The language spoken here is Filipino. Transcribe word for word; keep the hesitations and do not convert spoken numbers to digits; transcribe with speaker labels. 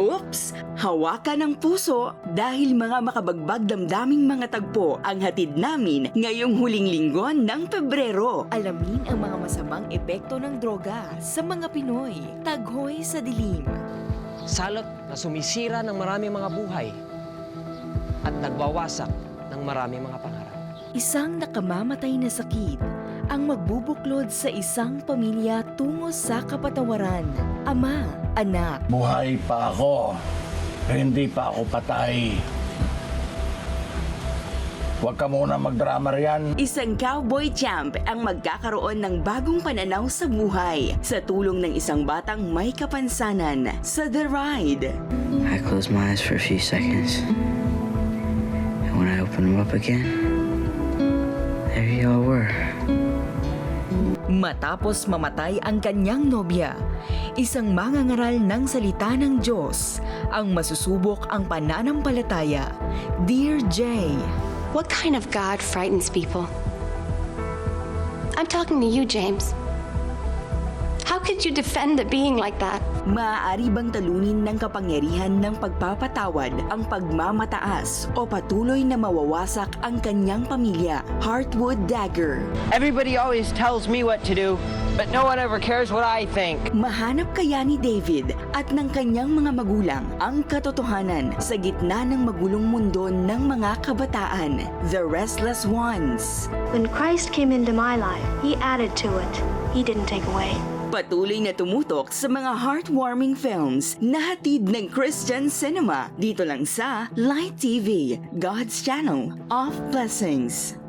Speaker 1: Oops! Hawakan ng puso dahil mga makabagbag damdaming mga tagpo ang hatid namin ngayong huling linggo ng Pebrero. Alamin ang mga masamang epekto ng droga sa mga Pinoy. Taghoy sa dilim.
Speaker 2: Salot na sumisira ng maraming mga buhay at nagwawasak ng maraming mga pangarap.
Speaker 1: Isang nakamamatay na sakit ang magbubuklod sa isang pamilya tungo sa kapatawaran. Ama, anak.
Speaker 3: Buhay pa ako. Hindi pa ako patay. Huwag ka muna magdrama riyan.
Speaker 1: Isang cowboy champ ang magkakaroon ng bagong pananaw sa buhay sa tulong ng isang batang may kapansanan sa The Ride.
Speaker 4: I closed my eyes for a few seconds. And when I opened them up again, there you all were.
Speaker 1: Matapos mamatay ang kanyang nobya, isang mangangaral ng salita ng Diyos ang masusubok ang pananampalataya. Dear Jay,
Speaker 5: What kind of God frightens people? I'm talking to you, James. How could you defend a being like that?
Speaker 1: maaari bang talunin ng kapangyarihan ng pagpapatawad ang pagmamataas o patuloy na mawawasak ang kanyang pamilya? Heartwood Dagger.
Speaker 2: Everybody always tells me what to do, but no one ever cares what I think.
Speaker 1: Mahanap kaya ni David at ng kanyang mga magulang ang katotohanan sa gitna ng magulong mundo ng mga kabataan? The Restless Ones.
Speaker 6: When Christ came into my life, He added to it. He didn't take away.
Speaker 1: Patuloy na tumutok sa mga heartwarming films na hatid ng Christian Cinema dito lang sa Light T V, God's Channel of Blessings.